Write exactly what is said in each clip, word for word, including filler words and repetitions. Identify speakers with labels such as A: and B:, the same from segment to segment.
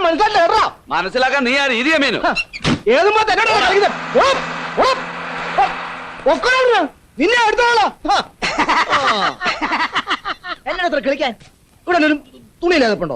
A: മനസ്സിലായില്ല.
B: മനസ്സിലാക്കാൻ നീ ആ രീതിയ മീനു
A: ഏതുമ്പോ തന്നെ നിന്നെ എടുത്തോളാ. എന്നാ അത്ര കളിക്കാൻ? ഇവിടെ ഒരു തുണിയില്ലാതെപ്പുണ്ടോ?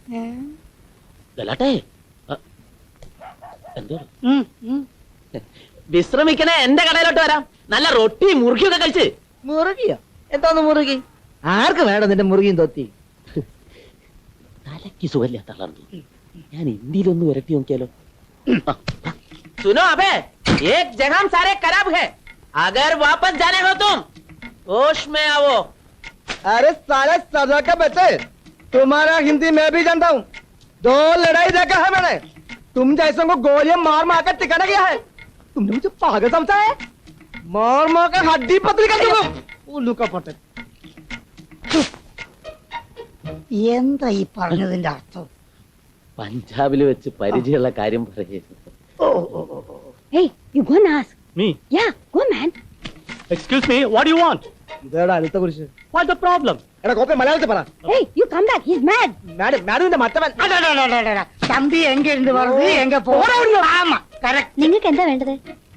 C: വിശ്രമിക്കണേ, എന്റെ കടയിലോട്ട് വരാം. നല്ല റൊട്ടി മുറുകിയൊക്കെ കഴിച്ച്.
A: മുറുകിയോ? എന്താന്ന് മുറുകി? ആർക്ക് വേണം നിന്റെ മുറുകിയും തൊത്തി?
C: തലക്ക് സുഖല്ല തളർന്നു. ഞാൻ ഇന്ത്യയിലൊന്ന് വരട്ടി നോക്കിയാലോ? सुनो अबे, एक जगह सारे खराब है. अगर वापस जाने हो तुम होश में आओ.
A: अरे साले सजा के बच्चे, तुम्हारा हिंदी मैं भी जानता हूँ. दो लड़ाई देखा है मैंने. तुम जैसों को गोलियां मार मार कर टिकाना गया है. तुमने मुझे पागल समझा है? मार मार कर हड्डी पतली कर दूंगा. उल्लू का पटे.
D: എന്താ ഈ പറഞ്ഞതിന്റെ അർത്ഥം?
C: പഞ്ചാബിൽ വെച്ച് പരിചയമുള്ള കാര്യം പറയുന്നു.
D: Hey, you go and ask.
E: Me?
D: Yeah, go man.
E: Excuse me, what do you want?
A: ഇതേടാ അടുത്ത കുറിച്ച്.
E: What's the problem?
A: എടാ കോപ്പി മലയാളത്തിൽ പറ.
D: Hey, you come back. He's mad.
A: Madam മാഡത്തിന്റെ മറ്റവൻ.
D: തമ്പി എങ്ക ഇരുന്ന് പറഞ്ഞു എങ്ക പോരാ. നിങ്ങൾക്ക് എന്താ വേണ്ടത്?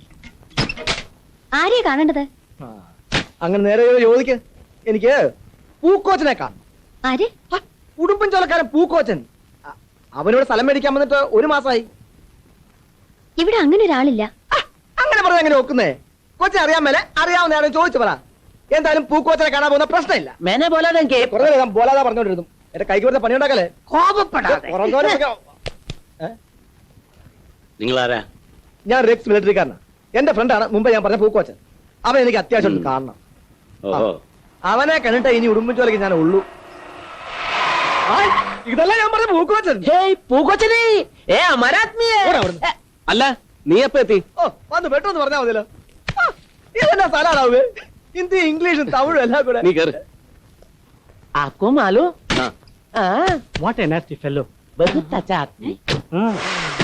D: ആരെയാ കാണേണ്ടത്?
A: അങ്ങനെ നേരെ ചോദിക്ക്. എനിക്ക് പൂക്കോച്ചനെ കാണും.
D: ആര്?
A: ഉടുമ്പൻ ചോലക്കാരൻ പൂക്കോച്ചൻ. അവനോട് സ്ഥലം മേടിക്കാൻ വന്നിട്ട് ഒരു മാസമായി.
D: ഇവിടെ അങ്ങനെ ഒരാളില്ല.
A: അങ്ങനെ പറഞ്ഞ എങ്ങനെ നോക്കുന്നേ? കൊച്ചിനെ അറിയാൻ മേലെ അറിയാവുന്ന ആരും ചോദിച്ചു പറ. എന്തായാലും പൂക്കോച്ചനെ കാണാൻ പോകുന്ന പ്രശ്നമില്ല.
C: मैंने बोला था कि
A: കുറെ നേരം ബോലാതാ പറഞ്ഞോണ്ടിരുന്നു. എന്റെ കൈക്ക് വെറുതെ പണിയുണ്ടാക്കല്ലേ.
B: നിങ്ങളാരാ?
A: ഞാൻ റെക്സ് മിലിറ്ററിക്കാരനാണ്. എന്റെ ഫ്രണ്ടാണ് മുമ്പ് ഞാൻ പറഞ്ഞ പൂക്കോച്ചൻ. അവൻ എനിക്ക് അത്യാവശ്യം കാണണം. അവനെ കണ്ടിട്ട് ഇനി ഉടുമ്പൻ ചോലക്ക് ഞാൻ ഉള്ളൂ. ഇതല്ല ഞാൻ പറഞ്ഞ പൂക്കോച്ചൻ.
C: പൂക്കോച്ചനെ
B: അല്ല, നീ എപ്പ എത്തി?
A: ഓ വന്ന് പെട്ടെന്ന് പറഞ്ഞാൽ മതിയല്ലോ. ഇതെന്നാ സ്ഥലമാണാവേ? ഹിന്ദി ഇംഗ്ലീഷും തമിഴും എല്ലാം കൂടെ.
B: നീ കേറ്.
C: आपको मालूम? हाँ.
E: What a nasty fellow.
C: बहुत अच्छा आदमी.
E: Hmm.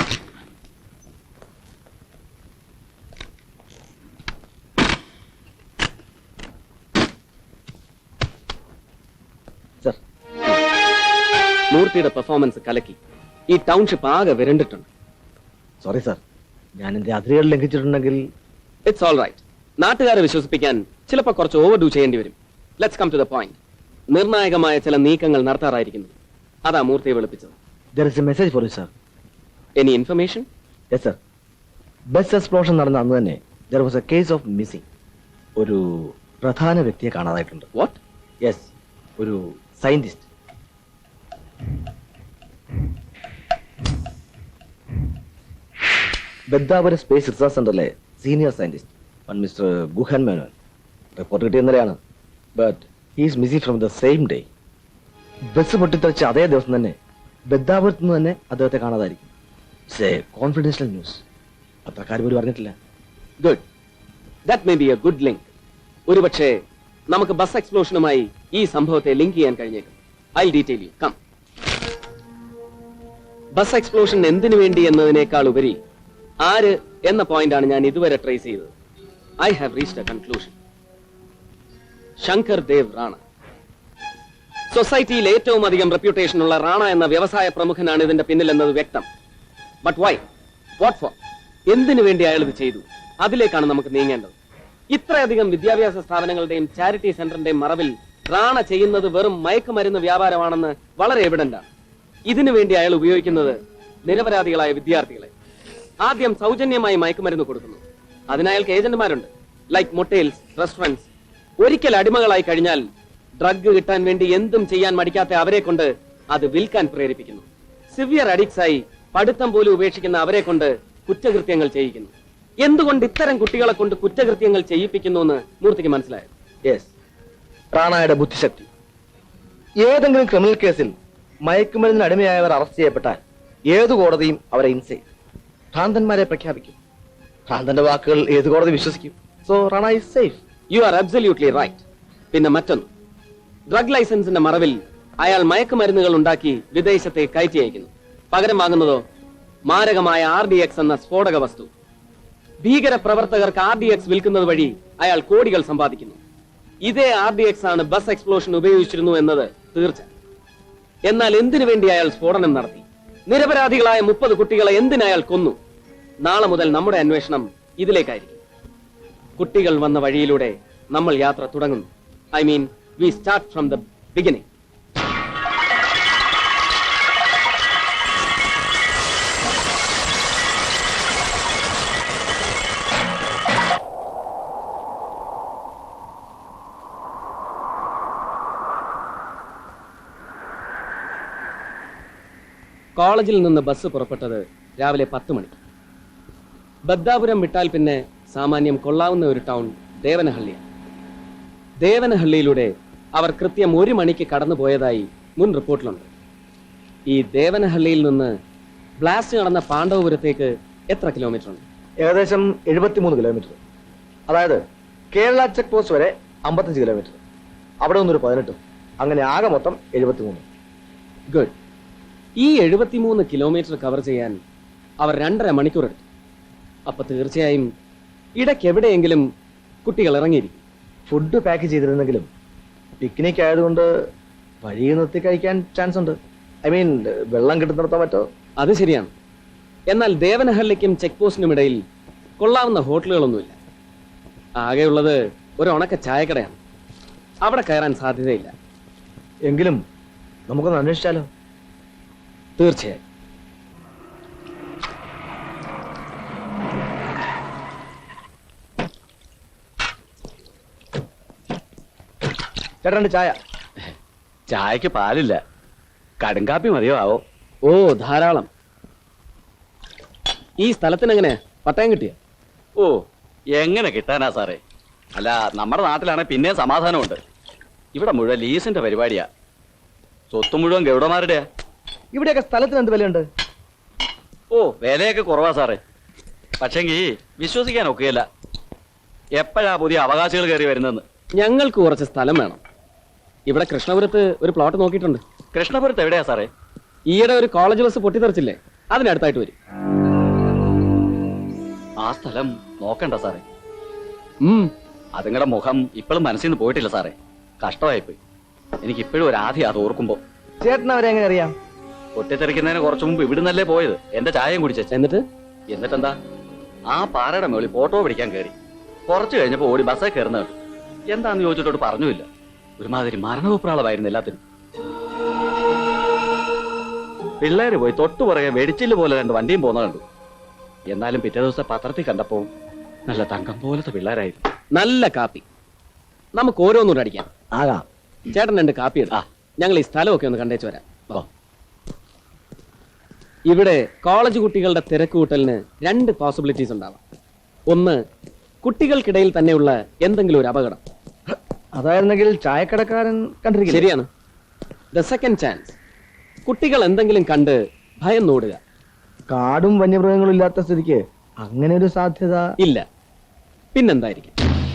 B: സർ, മൂർത്തിയുടെ പെർഫോമൻസ് കലക്കി. ഈ ടൗൺഷിപ്പ് ആകെ വിരണ്ടിട്ടുണ്ട്.
A: സോറി സാർ, ഞാൻ എന്റെ അതിരുകൾ ലംഘിച്ചിട്ടുണ്ടെങ്കിൽ
B: ഇറ്റ്സ് ഓൾ റൈറ്റ്. നാട്ടുകാരെ വിശ്വസിപ്പിക്കാൻ ചിലപ്പോൾ കുറച്ച് ഓവർ ഡൂ ചെയ്യേണ്ടി വരും. Let's come to the point. നിർണായകമായ ചില നീക്കങ്ങൾ നടത്താറായിരിക്കുന്നു. അതാ മൂർത്തിയെ വിളിപ്പിച്ചത്.
A: there is a message for you sir.
B: Any information?
A: yes sir. Bus explosion നടന്ന അന്ന് തന്നെ there was a case of missing. ഒരു പ്രധാന വ്യക്തിയെ കാണാതായിട്ടുണ്ട്.
B: വാട്ട്?
A: യെസ്, ഒരു സയന്റിസ്റ്റ്. ബദ്ദാപുരം സ്പേസ് റിസർച്ച് സെന്ററിലെ senior scientist mister Guhan Menon. Report കിട്ടിയ ഇന്നലെയാണ്. But he is missing from the same day. Bus പൊട്ടിത്തെറിച്ച അതേ ദിവസം തന്നെ ബദ്ദാപുരത്ത് നിന്ന് തന്നെ അദ്ദേഹത്തെ കാണാതായിരിക്കും. It's a confidential news. അത്ര കാര്യം പോലും അറിഞ്ഞിട്ടില്ല.
B: Good. That may be a good link. ഒരുപക്ഷെ നമുക്ക് ബസ് എക്സ്പ്ലോഷനുമായി ഈ സംഭവത്തെ ലിങ്ക് ചെയ്യാൻ കഴിഞ്ഞേക്കും. I detail you. Come. Bus explosion എന്തിനു വേണ്ടി എന്നതിനേക്കാൾ ഉപരി ആര് എന്ന പോയിന്റാണ് ഞാൻ ഇതുവരെ ട്രേസ് ചെയ്തത്. I have reached a conclusion. Shankar Dev Rana. സൊസൈറ്റിയിൽ ഏറ്റവും അധികം റെപ്യൂട്ടേഷൻ ഉള്ള റാണ എന്ന വ്യവസായ പ്രമുഖനാണ് ഇതിന്റെ പിന്നിലെന്നത് വ്യക്തം. But why? What for? എന്തിനു വേണ്ടി അയാൾ ഇത് ചെയ്തു? അതിലേക്കാണ് നമുക്ക് നീങ്ങേണ്ടത്. ഇത്രയധികം വിദ്യാഭ്യാസ സ്ഥാപനങ്ങളുടെയും ചാരിറ്റി സെന്ററിന്റെയും മറവിൽ റാണ ചെയ്യുന്നത് വെറും മയക്കുമരുന്ന് വ്യാപാരമാണെന്ന് വളരെ എവിഡന്റാണ്. ഇതിനു വേണ്ടി അയാൾ ഉപയോഗിക്കുന്നത് നിരപരാധികളായ വിദ്യാർത്ഥികളെ. ആദ്യം സൗജന്യമായി മയക്കുമരുന്ന് കൊടുക്കുന്നു. അതിനയാൾക്ക് ഏജന്റുമാരുണ്ട്, ലൈക്ക് മൊട്ടേൽസ്, റെസ്റ്റോറന്റ്സ്. ഒരിക്കൽ അടിമകളായി കഴിഞ്ഞാൽ ഡ്രഗ് കിട്ടാൻ വേണ്ടി എന്തും ചെയ്യാൻ മടിക്കാത്ത അവരെ കൊണ്ട് അത് വിൽക്കാൻ പ്രേരിപ്പിക്കുന്നു. സിവിയർ അഡിക്ട്സ് ആയി പഠിത്തം പോലും ഉപേക്ഷിക്കുന്ന അവരെ കൊണ്ട് കുറ്റകൃത്യങ്ങൾ ചെയ്യിക്കുന്നു. എന്തുകൊണ്ട് ഇത്തരം കുട്ടികളെ കൊണ്ട് കുറ്റകൃത്യങ്ങൾ ചെയ്യിപ്പിക്കുന്നു എന്ന് മൂർത്തിക്ക് മനസ്സിലായോ?
A: യെസ്, റാണയുടെ ബുദ്ധിശക്തി. ഏതെങ്കിലും ക്രിമിനൽ കേസിൽ മയക്കുമരുന്നിന് അടിമയായവർ അറസ്റ്റ് ചെയ്യപ്പെട്ടാൽ ഏതു കോടതിയും അവരെ ഇൻസേഫ്, ഭ്രാന്തന്മാരെ പ്രഖ്യാപിക്കും. ഭ്രാന്തന്റെ വാക്കുകൾ ഏത് കോടതി വിശ്വസിക്കും? So Rana is safe.
B: You are absolutely right. പിന്നെ മറ്റൊന്ന്, ഡ്രഗ് ലൈസൻസിന്റെ മറവിൽ അയാൾ മയക്കുമരുന്നുകൾ ഉണ്ടാക്കി വിദേശത്തെ കയറ്റി അയക്കുന്നു. പകരം വാങ്ങുന്നതോ മാരകമായ ആർ ഡി എക്സ് എന്ന സ്ഫോടക വസ്തു. ഭീകര പ്രവർത്തകർക്ക് ആർ ഡി എക്സ് വിൽക്കുന്നത് വഴി അയാൾ കോടികൾ സമ്പാദിക്കുന്നു. ഇതേ ആർ ഡി എക്സ് ആണ് ബസ് എക്സ്പ്ലോഷൻ ഉപയോഗിച്ചിരുന്നു എന്നത് തീർച്ച. എന്നാൽ എന്തിനു വേണ്ടി അയാൾ സ്ഫോടനം നടത്തി? നിരപരാധികളായ മുപ്പത് കുട്ടികളെ എന്തിനയാൾ കൊന്നു? നാളെ മുതൽ നമ്മുടെ അന്വേഷണം ഇതിലേക്കായിരിക്കും. കുട്ടികൾ വന്ന വഴിയിലൂടെ നമ്മൾ യാത്ര തുടങ്ങുന്നു. I mean we start from the beginning. കോളേജിൽ നിന്ന് ബസ് പുറപ്പെട്ടത് രാവിലെ പത്ത് മണിക്ക്. ബദ്ദാപുരം വിട്ടാൽ പിന്നെ സാമാന്യം കൊള്ളാവുന്ന ഒരു ടൗൺ ദേവനഹള്ളിയാണ്. ദേവനഹള്ളിയിലൂടെ അവർ കൃത്യം ഒരു മണിക്ക് കടന്നു പോയതായി മുൻ റിപ്പോർട്ടിലുണ്ട്. ഈ ദേവനഹള്ളിയിൽ നിന്ന് ബ്ലാസ്റ്റ് നടന്ന പാണ്ഡവപുരത്തേക്ക് എത്ര കിലോമീറ്റർ ഉണ്ട്?
A: ഏകദേശം എഴുപത്തിമൂന്ന് കിലോമീറ്റർ. അതായത് കേരള ചെക്ക് പോസ്റ്റ് വരെ അമ്പത്തഞ്ച് കിലോമീറ്റർ, അവിടെ നിന്നൊരു പതിനെട്ടും, അങ്ങനെ ആകെ മൊത്തം എഴുപത്തിമൂന്ന്.
B: ഗുഡ്. ഈ എഴുപത്തിമൂന്ന് കിലോമീറ്റർ കവർ ചെയ്യാൻ അവർ രണ്ടര മണിക്കൂർ എടുത്തു. അപ്പൊ തീർച്ചയായും ഇടയ്ക്ക് എവിടെയെങ്കിലും കുട്ടികൾ ഇറങ്ങിയിരിക്കും.
A: ഫുഡ് പാക്ക് ചെയ്തിരുന്നെങ്കിലും പിക്നിക് ആയതുകൊണ്ട് വഴിയിൽ നിർത്തി കഴിക്കാൻ ചാൻസ് ഉണ്ട്. ഐ മീൻ വെള്ളം കിട്ടുന്നിടത്തോ മറ്റോ.
B: അത് ശരിയാണ്. എന്നാൽ ദേവനഹള്ളിക്കും ചെക്ക് പോസ്റ്റിനും ഇടയിൽ കൊള്ളാവുന്ന ഹോട്ടലുകളൊന്നുമില്ല. ആകെയുള്ളത് ഒരു ഉണക്ക ചായക്കടയാണ്. അവിടെ കയറാൻ സാധ്യതയില്ല.
A: എങ്കിലും നമുക്കൊന്ന് അന്വേഷിച്ചാലോ?
B: തീർച്ചയായും.
A: ചേട്ടൻ്റെ ചായ.
F: ചായക്ക് പാലില്ല, കടുങ്കാപ്പി മതിയോ ആവോ?
B: ഓ, ധാരാളം. ഈ സ്ഥലത്തിനെങ്ങനെ പട്ടയം കിട്ടിയ?
F: ഓ, എങ്ങനെ കിട്ടാനാ സാറേ? അല്ല, നമ്മുടെ നാട്ടിലാണെ പിന്നെ സമാധാനമുണ്ട്. ഇവിടെ മുഴുവൻ ലീസിന്റെ പരിപാടിയാ. സ്വത്ത് മുഴുവൻ ഗൗഡമാരുടെയാ.
A: ഇവിടെയൊക്കെ സ്ഥലത്തിന് എന്ത് വിലയുണ്ട്?
F: ഓ, വിലയൊക്കെ കുറവാ സാറേ. പക്ഷെങ്കി വിശ്വസിക്കാൻ ഒക്കുകയില്ല. എപ്പോഴാ പുതിയ അവകാശികൾ കയറി വരുന്നെന്ന്.
B: ഞങ്ങൾക്ക് കുറച്ച് സ്ഥലം വേണം. ഇവിടെ കൃഷ്ണപുരത്ത് ഒരു പ്ലോട്ട് നോക്കിയിട്ടുണ്ട്.
F: കൃഷ്ണപുരത്ത് എവിടെയാ സാറേ?
B: ഈയിടെ ഒരു കോളേജ് ബസ് പൊട്ടിത്തെറിച്ചില്ലേ, അതിനടുത്തായിട്ട് വരും.
F: ആ സ്ഥലം നോക്കണ്ട സാറേ.
B: ഉം
F: അതുങ്ങളുടെ മുഖം ഇപ്പോഴും മനസ്സിൽ നിന്ന് പോയിട്ടില്ല സാറേ. കഷ്ടമായിപ്പോയി. എനിക്ക് ഇപ്പോഴും ഒരു ആദ്യം അത് ഓർക്കുമ്പോ.
A: ചേട്ടൻ അവരെ എങ്ങനെ അറിയാം?
F: പൊട്ടിത്തെറിക്കുന്നതിന് കുറച്ചു മുമ്പ് ഇവിടുന്നല്ലേ പോയത്. എന്റെ ചായയും കുടിച്ച.
B: എന്നിട്ട്
F: എന്നിട്ടെന്താ, ആ പാറയുടെ മുകളിൽ ഫോട്ടോ പിടിക്കാൻ കയറി. കുറച്ചു കഴിഞ്ഞപ്പോ ഓടി ബസ്സേ കയറുന്ന കേട്ടു. എന്താന്ന് ചോദിച്ചിട്ടോട് പറഞ്ഞില്ല. ഒരുമാതിരി മരണവിപ്രാളമായിരുന്നു എല്ലാത്തിനും. പിള്ളേര് പോയി തൊട്ടു പുറകെ വെടിച്ചില് പോലെ രണ്ട് വണ്ടിയും പോന്ന കണ്ടു. എന്നാലും പിറ്റേ ദിവസം പത്രത്തിൽ കണ്ടപ്പോ നല്ല തങ്കം പോലത്തെ പിള്ളേരായിരുന്നു.
B: നല്ല കാപ്പി. നമുക്ക് ഓരോന്നൂടെ അടിക്കാം.
A: ആകാം.
B: ചേട്ടൻ രണ്ട് കാപ്പി എടുക്കാം. ഞങ്ങൾ ഈ സ്ഥലമൊക്കെ ഒന്ന് കണ്ടേച്ചു വരാം.
F: ഓ.
B: ഇവിടെ കോളേജ് കുട്ടികളുടെ തിരക്ക് കൂട്ടലിന് രണ്ട് പോസിബിലിറ്റീസ് ഉണ്ടാവാം. ഒന്ന്, കുട്ടികൾക്കിടയിൽ തന്നെയുള്ള എന്തെങ്കിലും ഒരു അപകടം.
A: അതായിരുന്നെങ്കിൽ ചായക്കടക്കാരൻ കണ്ടിരിക്കും.
B: ശരിയാണ്. ദ സെക്കൻഡ് ചാൻസ്, കുട്ടികൾ എന്തെങ്കിലും കണ്ട് ഭയം നോടുക.
A: കാടും വന്യമൃഗങ്ങളും ഇല്ലാത്ത സ്ഥിതിക്ക് അങ്ങനെ ഒരു സാധ്യത
B: ഇല്ല. പിന്നെന്തായിരിക്കും?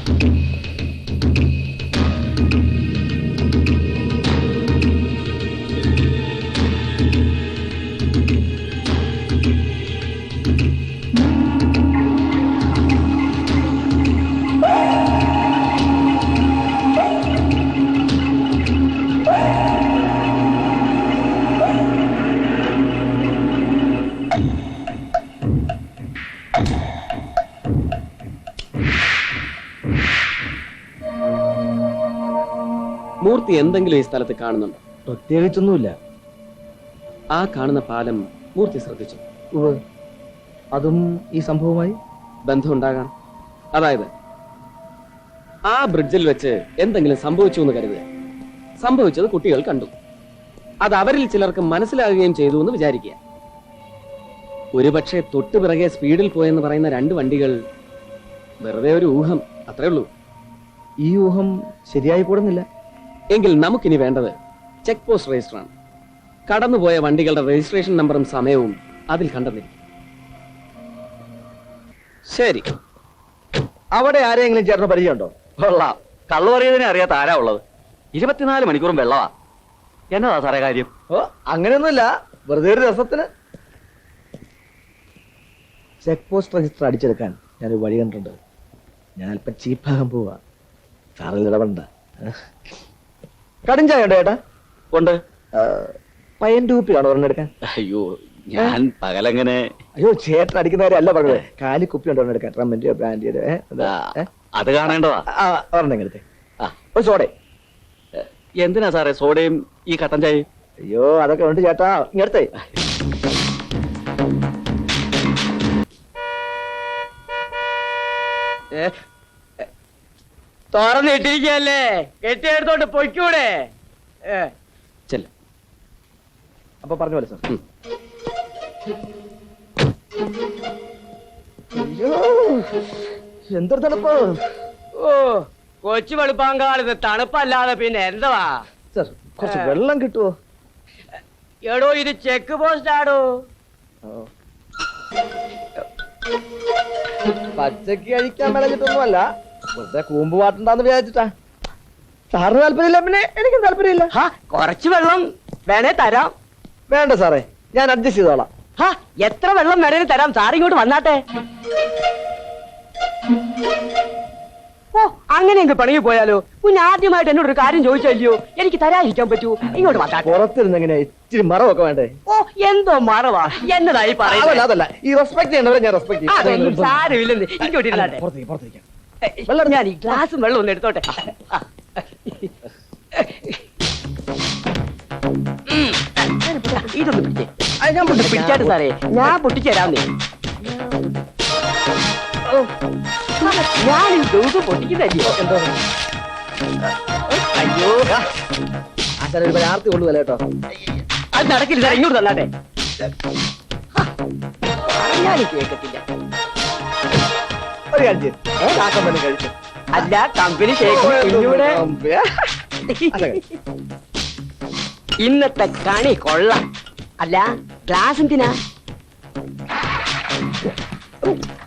B: മൂർത്തി എന്തെങ്കിലും ഈ സ്ഥലത്ത് കാണുന്നുണ്ടോ?
A: പ്രത്യേകിച്ചൊന്നുമില്ല.
B: ആ കാണുന്ന പാലം മൂർത്തി ശ്രദ്ധിച്ചു.
A: ഉവ്വ്. അതും ഈ സംഭവമായി
B: ബന്ധമുണ്ടാകാം. അതായത് ആ ബ്രിഡ്ജിൽ വെച്ച് എന്തെങ്കിലും സംഭവിച്ചു എന്ന് കരുതുക. സംഭവിച്ചത് കുട്ടികൾ കണ്ടു. അത് അവരിൽ ചിലർക്ക് മനസ്സിലാകുകയും ചെയ്തു എന്ന് വിചാരിക്കുക. ഒരുപക്ഷെ തൊട്ടു പിറകെ സ്പീഡിൽ പോയെന്ന് പറയുന്ന രണ്ട് വണ്ടികൾ വെറുതെ ഒരു ഊഹം, അത്രേ ഉള്ളൂ.
A: ഈ ഊഹം ശരിയായി കൂടുന്നില്ല.
B: എങ്കിൽ നമുക്കിനി വേണ്ടത് ചെക്ക് പോസ്റ്റ് രജിസ്റ്ററാണ്. കടന്നുപോയ വണ്ടികളുടെ രജിസ്ട്രേഷൻ നമ്പറും സമയവും അതിൽ കണ്ടെന്നിരിക്കും. ശരി,
A: അവിടെ ആരെങ്കിലും ചേട്ടന് പരിചയമുണ്ടോ?
F: കൊള്ളാം. കള്ളു പറയുന്നതിനെ അറിയാത്ത ആരാ ഉള്ളത്? ഇരുപത്തിനാല് മണിക്കൂറും വെള്ളവാ. എന്നതാ സാറേ കാര്യം?
A: ഓ, അങ്ങനെയൊന്നുമില്ല, വെറുതെ ഒരു രസത്തിന്. ചെക്ക് പോസ്റ്റ് രജിസ്റ്റർ അടിച്ചെടുക്കാൻ ഞാനൊരു വഴി കണ്ടിട്ടുണ്ട്. ഞാൻ അല്പം ചീപ്പാകാൻ പോവാ. സാറിൽ ഇടപെടണ്ട. കടും ചായ ഉണ്ടോ ചേട്ടാ?
F: ഉണ്ട്.
A: പയ്യൻ ടൂപ്പിയാണോ ഒരെണ്ണം എടുക്കാൻ?
F: അയ്യോ, ഞാൻ പകലെങ്ങനെ
A: അയ്യോ ചേട്ടൻ അടിക്കുന്നവരെ അല്ല പറഞ്ഞത്. കാലി കുപ്പി ഉണ്ടോ എടുക്കാൻ റമ്മിന്റെ ബ്രാൻഡിയുടെ
F: ആ, അത് കാണേണ്ടതാ.
A: ഒരെണ്ണം എടുത്തേ.
F: ആ,
A: ഒരു സോഡേ.
F: എന്തിനാ സാറേ സോഡയും ഈ കട്ടൻ ചായയും?
A: അയ്യോ അതൊക്കെ ഉണ്ട് ചേട്ടാ, ഇങ്ങടുത്തേ.
C: തുറന്നിട്ടിരിക്കല്ലേ, കെട്ടിയെടുത്തോട്ട് പൊയ്ക്കൂടെ? ഏ,
F: ചെല്ല.
A: അപ്പൊ പറഞ്ഞ പോലെ സാർ. അയ്യോ എന്തൊരു തണുപ്പ്.
C: ഓ കൊച്ചു വെളുപ്പാങ്കാലത്ത് തണുപ്പല്ലാതെ പിന്നെ എന്തുവാ?
A: സാർ കുറച്ച് വെള്ളം കിട്ടുമോ?
C: എടോ ഇത് ചെക്ക് പോസ്റ്റ് ആടോ.
A: പച്ചക്ക് കഴിക്കാൻ മേടിച്ചിട്ടൊന്നുമല്ല, വെറുതെ കൂമ്പ് പാട്ടുണ്ടാന്ന് വിചാരിച്ചിട്ടാ. സാറിന് താല്പര്യമില്ല, പിന്നെ എനിക്കും താല്പര്യമില്ല.
C: ഹാ, കുറച്ച് വെള്ളം വേണേ തരാം.
A: വേണ്ട സാറേ, ഞാൻ അഡ്ജസ്റ്റ് ചെയ്തോളാം.
C: ഹാ, എത്ര വെള്ളം വേണേലും തരാം. സാർ ഇങ്ങോട്ട് വന്നാട്ടെ. ഓ അങ്ങനെയെങ്കിൽ പണിയിൽ പോയാലോ? കുഞ്ഞ് ആദ്യമായിട്ട് എന്നോട് ഒരു കാര്യം ചോദിച്ചല്ലയോ, എനിക്ക് തരാതിരിക്കാൻ പറ്റൂ. ഇങ്ങോട്ട് വന്നാട്ടെ.
A: പുറത്തിരുന്ന് എങ്ങനെ ഇച്ചിരി മറവൊക്കെ വേണ്ടേ?
C: ഓ എന്തോ മറവാ, എന്നതായി
A: അതല്ല
C: പറയുന്നത്?
A: അതല്ല, ഈ റെസ്പെക്ട് ചെയ്യണവരെ ഞാൻ റെസ്പെക്ട്
C: അതൊന്നും സാരമില്ലെന്ന്. ഇങ്ങോട്ട് ഇരുന്നാട്ടെ.
A: പുറത്തേക്ക് പുറത്തേക്ക്.
C: വെള്ളം ഞാൻ ഈ ഗ്ലാസും വെള്ളം ഒന്ന് എടുത്തോട്ടെ. ആ. ഉം. ഇതൊന്ന് പിടിച്ചേ. ഞാൻ പൊട്ടി പിടിച്ചാട്ട് സാറേ, ഞാൻ പൊട്ടിച്ചു തരാന്നേ. ഓ, ഞാൻ ഈ ദിവസം പൊട്ടിക്കുന്നല്ലോ.
A: എന്തോ
C: അയ്യോ,
A: ആശാന ഒരു ആർത്തി കൊള്ളുവല്ല കേട്ടോ.
C: അത് നടക്കില്ല സാർ, ഇങ്ങോട്ട് തന്നാട്ടെ. പറഞ്ഞാലും കേൾക്കത്തില്ല.
A: ഒരു കാര്യം ചെയ്യ്.
C: ഏ?
A: കാക്കം തന്നെ കഴിച്ചു.
C: അല്ല, കമ്പനി ഷേക്ക് ഇന്നിവിടെ ഇന്നത്തെ കണി കൊള്ളാം. അല്ല ഗ്ലാസ് എന്തിനാ?